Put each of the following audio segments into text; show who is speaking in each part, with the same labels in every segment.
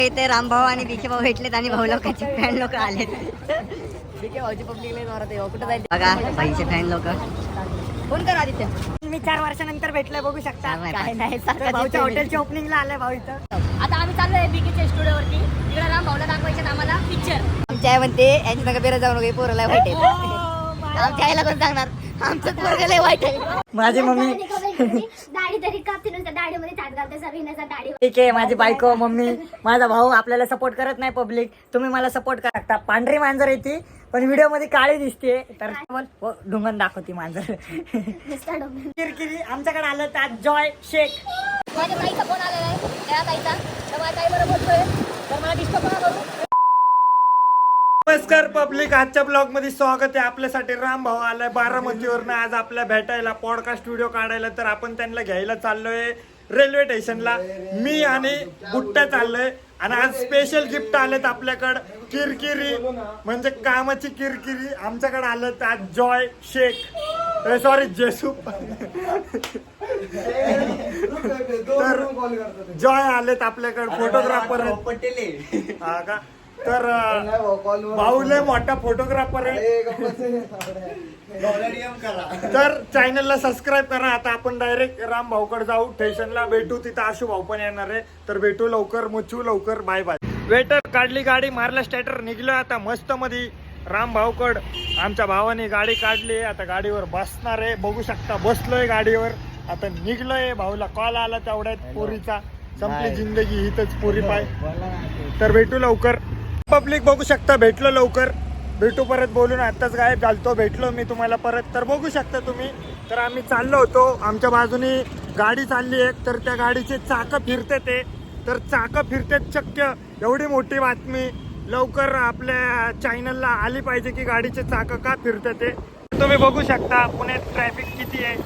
Speaker 1: इथे रामभाऊ आणि बीके भाऊ भेटलेत आणि भाऊ लोकांचे फॅन लोक आलेत.
Speaker 2: बीके भाऊची पब्लिक लय जोरात आहे. कुठं जायचं
Speaker 1: बघा भाईचे फॅन लोक.
Speaker 2: फोन कर आदित्य.
Speaker 1: मी 4 वर्षानंतर भेटलोय बघू शकता.
Speaker 2: काय नाही
Speaker 1: भाऊच्या हॉटेलच्या ओपनिंगला आलाय भाऊ इथं.
Speaker 2: आता आम्ही चाललोय बीकेच्या स्टुडिओवरती. तिकडे राम भाऊला दाखवायचे आम्हाला पिक्चर.
Speaker 1: आमच्या आई म्हणते यांची नका बेरा जाऊ नको पोरला वाईट आहे. आमच्या आईला कोण सांगणार आमचं पोरग लय वाईट आहे. माझी मम्मी
Speaker 3: दाढी तरी कापते नुसतं दाढीमध्ये चाट घालते सगळींना दाढी.
Speaker 1: ठीक आहे. माझी बायको मम्मी माझा भाऊ आपल्याला सपोर्ट करत नाही. पब्लिक तुम्ही मला सपोर्ट करा शकता. पांढरी मांजर येते पण व्हिडिओ मध्ये काळी दिसते तर ढुंगण दाखवती मांजर. किरकिरी आमच्याकडे आलं तर जॉय शेख.
Speaker 2: माझ्या ताईचा फोन आलेला आहे. त्या ताईचा तर माझ्या ताईबरोबर बोलतोय. तर मला डिस्टर्ब नका करू.
Speaker 4: नमस्कार पब्लिक, आजच्या ब्लॉग मध्ये स्वागत आहे. आपल्यासाठी राम भाऊ आलाय बारामतीवरनं आज आपल्या भेटायला पॉडकास्ट व्हिडिओ काढायला. तर आपण त्यांना घ्यायला चाललोय रेल्वे स्टेशनला. मी आणि बुट्ट्या चाललोय आणि आज स्पेशल गिफ्ट आलेत आपल्याकडं. किरकिरी म्हणजे कामाची किरकिरी आमच्याकडे आलं तर आज जॉय शेख सॉरी जेसू तर जॉय आलेत आपल्याकडे. फोटोग्राफर हा का. तर भाऊ लय मोठा फोटोग्राफर आहे. तर चॅनलला सबस्क्राईब करा. आता आपण डायरेक्ट राम भाऊकडे जाऊ. स्टेशनला भेटू. तिथं आशू भाऊ पण येणार आहे. तर भेटू लवकर, मुचू लवकर. Bye bye. वेटर काढली गाडी, मारला स्टार्टर, निघलो आता मस्त मध्ये राम भाऊकड. आमच्या भावाने गाडी काढली. आता गाडीवर बसणार आहे. बघू शकता बसलोय गाडीवर. आता निघलोय. भाऊला कॉल आला तेवढ्यात पोरीचा. संपली जिंदगी हिथच पोरी पाय. तर भेटू लवकर. पब्लिक बघू शकता भेटलो लवकर. भेटू परत बोलून. आत्ताच गायब झालतो. भेटलो मी तुम्हाला परत. तर बघू शकता तुम्ही. तर आम्ही चाललो होतो. आमच्या बाजूनी गाडी चालली आहे. तर त्या गाडीचे चाकं फिरते ते. तर चाकं फिरतेत शक्य. एवढी मोठी बातमी लवकर आपल्या चॅनलला आली पाहिजे की गाडीचे चाकं का फिरते ते. तुम्ही बघू शकता पुण्यात ट्रॅफिक किती आहे.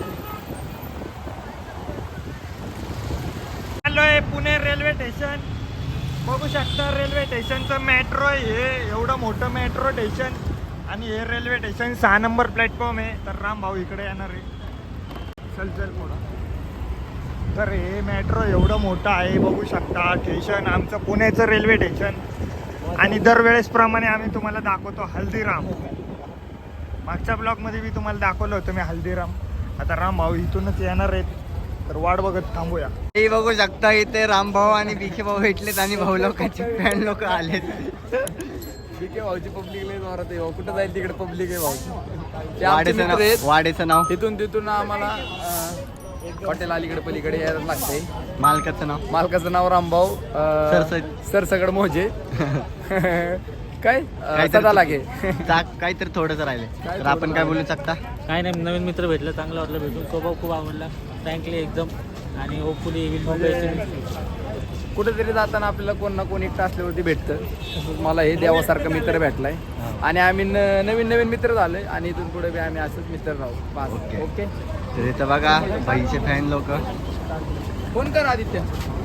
Speaker 4: चाललोय पुणे रेल्वे स्टेशन. बघू शकता रेल्वे स्टेशनचं मेट्रो आहे हे. एवढं मोठं मेट्रो स्टेशन आणि हे रेल्वे स्टेशन 6 नंबर प्लॅटफॉर्म आहे. तर राम भाऊ इकडे येणार आहे. चल पुढं. तर हे मेट्रो एवढं मोठं आहे. बघू शकता स्टेशन आमचं पुण्याचं रेल्वे स्टेशन. आणि दरवेळेस प्रमाणे आम्ही तुम्हाला दाखवतो हल्दीराम. मागच्या ब्लॉगमध्ये मी तुम्हाला दाखवलं होतं मी हल्दीराम. आता राम भाऊ इथूनच येणार आहेत. तर वाट बघत थांबूया.
Speaker 5: हे बघू शकता इथे रामभाऊ आणि बीके भाऊ भेटलेत आणि भाऊ लोकांचे फॅन लोक आलेत.
Speaker 6: बीके भाऊची पब्लिक लय जोरात आहे. कुठं जाईल तिकडे पब्लिक आहे भाऊची.
Speaker 5: वाडेचं नाव
Speaker 6: तिथून आम्हाला हॉटेल अलीकडे पलीकडे यायला लागते.
Speaker 5: मालकाचं
Speaker 6: नाव रामभाऊ सरसगड मोजे. काय सदा लागे.
Speaker 5: काहीतरी थोडंच राहिले. तर आपण काय बोलू शकता.
Speaker 7: काय नाही, नवीन मित्र भेटलं, चांगलं वाटलं भेटून. स्वभाव खूप आवडला फ्रँकली एकदम. आणि होपफुली
Speaker 6: कुठेतरी जाताना आपल्याला कोण ना कोण एकटं असल्यावरती भेटतं. मला हे देवासारखं मित्र भेटलाय आणि आम्ही नवीन मित्र झालोय आणि इथून पुढे बी आम्ही असंच मित्र राहू. ओके.
Speaker 5: तर इथं बघा भाईचे फॅन लोक.
Speaker 6: फोन कर आदित्य.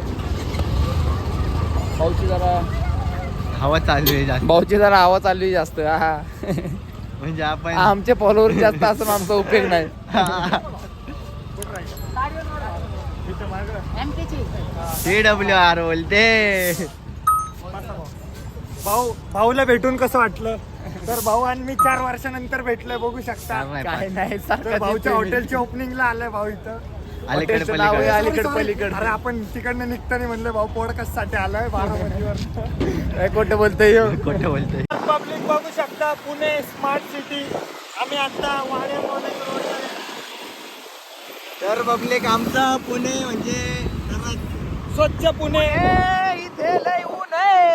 Speaker 6: भाऊची जरा
Speaker 5: हवा चालू आहे जास्त.
Speaker 6: भाऊची जरा हवा चालू आहे जास्त.
Speaker 5: म्हणजे आपण
Speaker 6: आमचे फॉलोअर जास्त असून आमचा उपयोग नाही.
Speaker 5: CWR बोलते.
Speaker 4: भाऊला भेटून कसं वाटलं. तर भाऊ आणि मी 4 वर्षानंतर भेटलोय. बघू शकता.
Speaker 6: काय नाही
Speaker 4: तर भाऊच्या हॉटेलच्या ओपनिंगला आलाय भाऊ इथं.
Speaker 6: अलीकडे पलीकडे.
Speaker 4: अरे आपण तिकडनं निघताना म्हणलं भाऊ पॉडकास्ट साठी आलाय बारामतीवर.
Speaker 6: खोटं बोलतोय.
Speaker 4: पब्लिक बघू शकता पुणे स्मार्ट सिटी. आम्ही आता वाड्या मॉर्निंग रोड.
Speaker 5: तर पब्लिक आमचं पुणे म्हणजे
Speaker 4: स्वच्छ पुणे.
Speaker 6: इथे लय ऊन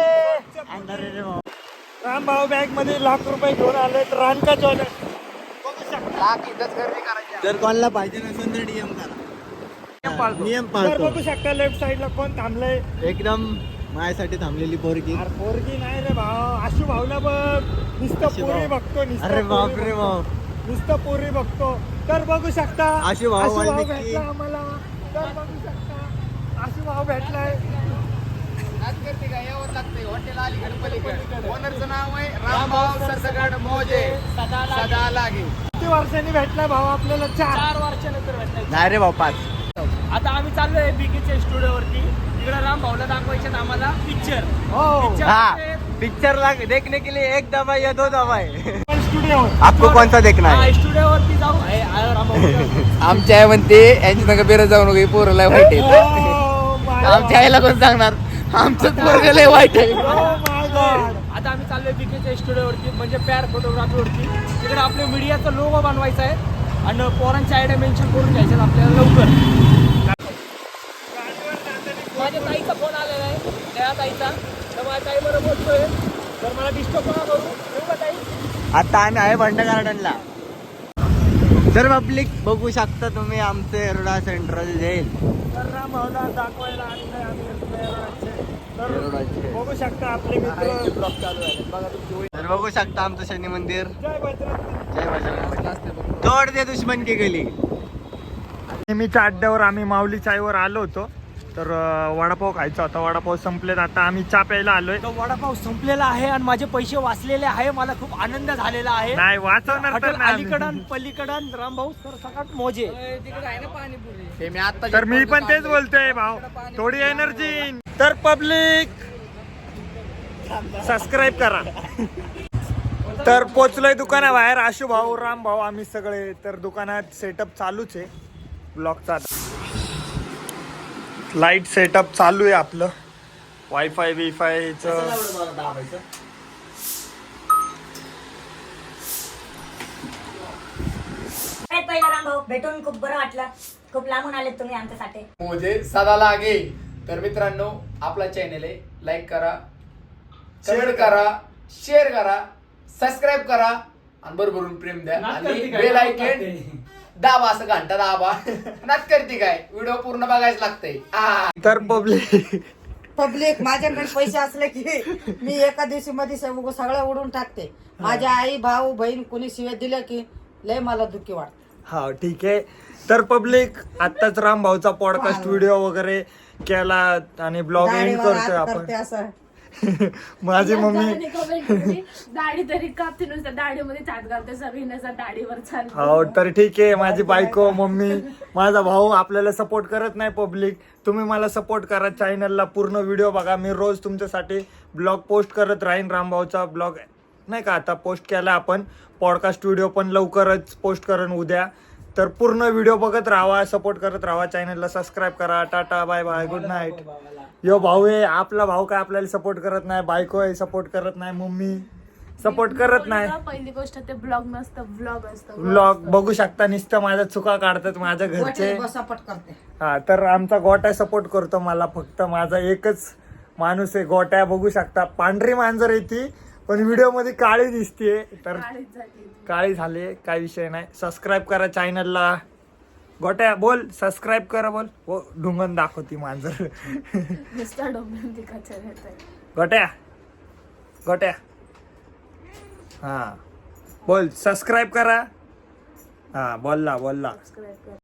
Speaker 4: राम भाऊ बॅग मध्ये ₹1,00,000 घेऊन आले. रानका ज्वेलर्स बघू शकता.
Speaker 5: जर कोणाला पाहिजे नसेल तर DM करा. नियम
Speaker 4: तर
Speaker 5: पाळतो.
Speaker 4: बघू शकता लेफ्ट साइडला कोण थांबलंय.
Speaker 5: एकदम माझ्यासाठी थांबलेली पोरगी.
Speaker 4: अरे पोरगी नाही रे भाऊ. आशू भाऊला बघ. नुसतं पोरी बघतो.
Speaker 5: अरे बापरे बाप.
Speaker 4: नुसतं पोरी बघतो. तर बघू शकता
Speaker 5: आशू भाऊ
Speaker 4: भेटला आम्हाला. तर बघू शकता आशू भाऊ भेटलाय.
Speaker 6: हॉटेल अलीकडे पलीकडे. ओनरचं नाव आहे रामभाऊ सरसगड मोजे सदा लागे.
Speaker 4: किती वर्षांनी भेटलाय भाऊ आपल्याला. 4
Speaker 7: वर्षानंतर भेटलाय.
Speaker 5: नाही रे भाऊ 5.
Speaker 7: आता आम्ही चाललोय बीकेच्या स्टुडिओवरती.
Speaker 6: तिकडे राम भाऊला दाखवायचे आम्हाला पिक्चर.
Speaker 5: हाँ पिक्चर देखने के लिए एक दवा या दो दवा है.
Speaker 4: स्टुडिओ
Speaker 5: आपको कौन सा देखना है?
Speaker 6: स्टुडिओवरती जाऊ. आमच्या आई म्हणते यांची नका बेरज जाऊ नको पोरला वाईट आहे. आमच्या आईला कोण सांगणार आमचं पोरग लय वाईट आहे. आता आम्ही चाललोय बीकेच्या स्टुडिओवरती म्हणजे पॅर फोटोग्राफीवरती. तिकडे आपल्या मीडियाचा लोगो बनवायचा आहे आणि पोरांच्या आयडिया मेन्शन करून घ्यायच्या आपल्याला लवकर. माझ्या ताईचा फोन आलेला आहे त्या ताईचा. तर माझ्या ताईबरोबर बोलतोय तर मला डिस्टर्ब नका करू. ठेवू का ताई?
Speaker 5: आता आम्ही आहे बंड गार्डनला. तर पब्लिक बघू शकता तुम्ही आमचे एरोडा सेंट्रल जेल.
Speaker 4: तर राम भाऊला दाखवायला आणलंय आम्ही एरोडाचे. तर बघू शकता आपले मित्र.
Speaker 6: ब्लॉग चालू आहे बघा तुम्ही.
Speaker 5: तर बघू शकता आमचं शनी मंदिर.
Speaker 4: जय बजरंग.
Speaker 5: जय बजरंग. तोड दे दुश्मन की गली.
Speaker 4: नेहमीच्या अड्ड्यावर आम्ही माऊली चायवर आलो होतो. तर वडापाव खायचा होता. वडापाव संपलेत. आता आम्ही चहा प्यायला आलोय.
Speaker 6: तो वडापाव संपलेला आहे आणि माझे पैसे वाचलेले आहे. मला खूप आनंद झालेला आहे.
Speaker 4: नाही वाचवणार तर
Speaker 6: हॉटेल
Speaker 4: नाही
Speaker 6: अलीकडं पलीकडं रामभाऊ सर सकाळ मोजे. हे मी आता
Speaker 4: तर मी पण तेच बोलतोय भाऊ. थोडी एनर्जी. तर पब्लिक सबस्क्राईब करा. तर पोचलोय दुकानाबाहेर. आशू भाऊ राम भाऊ आम्ही सगळे. तर दुकानात सेटअप चालूच आहे ब्लॉगचा. लाईट सेटअप चालू आहे आपलं. वायफाय बिफायचं.
Speaker 1: पहिला राम भाऊ भेटून खूप बरं वाटलं. खूप लांबून आलेत तुम्ही आमच्यासाठी.
Speaker 6: मोजे सदा लागे. तर मित्रांनो आपला चॅनल आहे लाईक करा, कमेंट करा, शेअर करा, सबस्क्राईब करा आणि भरभरून प्रेम द्या आणि बेल आयकॉन दाबा. असं घंटा दाबा. नाच करते काय व्हिडिओ पूर्ण बघायच लागतंय.
Speaker 4: तर
Speaker 8: पब्लिक माझ्याकडे पैसे असले की मी एका दिवशी मध्ये सगळं उडून टाकते. माझ्या आई भाऊ बहीण कोणी शिव्या दिल्या की लय मला दुःखी वाटत.
Speaker 4: हा ठीक आहे. तर पब्लिक आत्ताच राम भाऊचा पॉडकास्ट व्हिडिओ वगैरे केला आणि ब्लॉग एंड करतोय आपण.
Speaker 8: असं
Speaker 4: माझी मम्मी
Speaker 3: कमेंट केली दाढी तरी कापते नुसत्या दाढीमध्ये चाट घालते सगळींना दाढीवर चालते.
Speaker 4: हो तर ठीक आहे. माझी बायको मम्मी माझा भाऊ आपल्याला सपोर्ट करत नाही. पब्लिक तुम्ही मला सपोर्ट करा. चॅनलला पूर्ण व्हिडिओ बघा. मी रोज तुमच्यासाठी ब्लॉग पोस्ट करत राहीन. रामभाऊचा ब्लॉग नाही का आता पोस्ट केला आपण. पॉडकास्ट व्हिडिओ पण लवकरच पोस्ट करेन उद्या. तर पूर्ण व्हिडिओ बघत राहा, सपोर्ट करत राहा. चॅनलला सबस्क्राईब करा. Tata bye bye good night. Yo भाऊ आहे आपला भाऊ काय आपल्याला सपोर्ट करत नाही. बायको आहे सपोर्ट करत नाही. मम्मी सपोर्ट करत नाही.
Speaker 3: पहिली गोष्ट ते ब्लॉग नसतं व्लॉग असतं.
Speaker 4: व्लॉग बघू शकता. नुसतं माझ्या चुका काढतात माझ्या घरचे.
Speaker 8: सपोर्ट करते.
Speaker 4: हा तर आमचा गोट्या सपोर्ट करतो मला. फक्त माझा एकच माणूस आहे गोट्या. बघू शकता पांढरी मांजर येते पण व्हिडिओ मध्ये काळी दिसते. तर काळी झाली काय विषय नाही. सबस्क्राईब करा चॅनलला. गोट्या बोल सबस्क्राईब करा बोल. हो ढुंगण दाखवती मांजर. गोट्या गोट्या हा बोल सबस्क्राईब करा. हा बोलला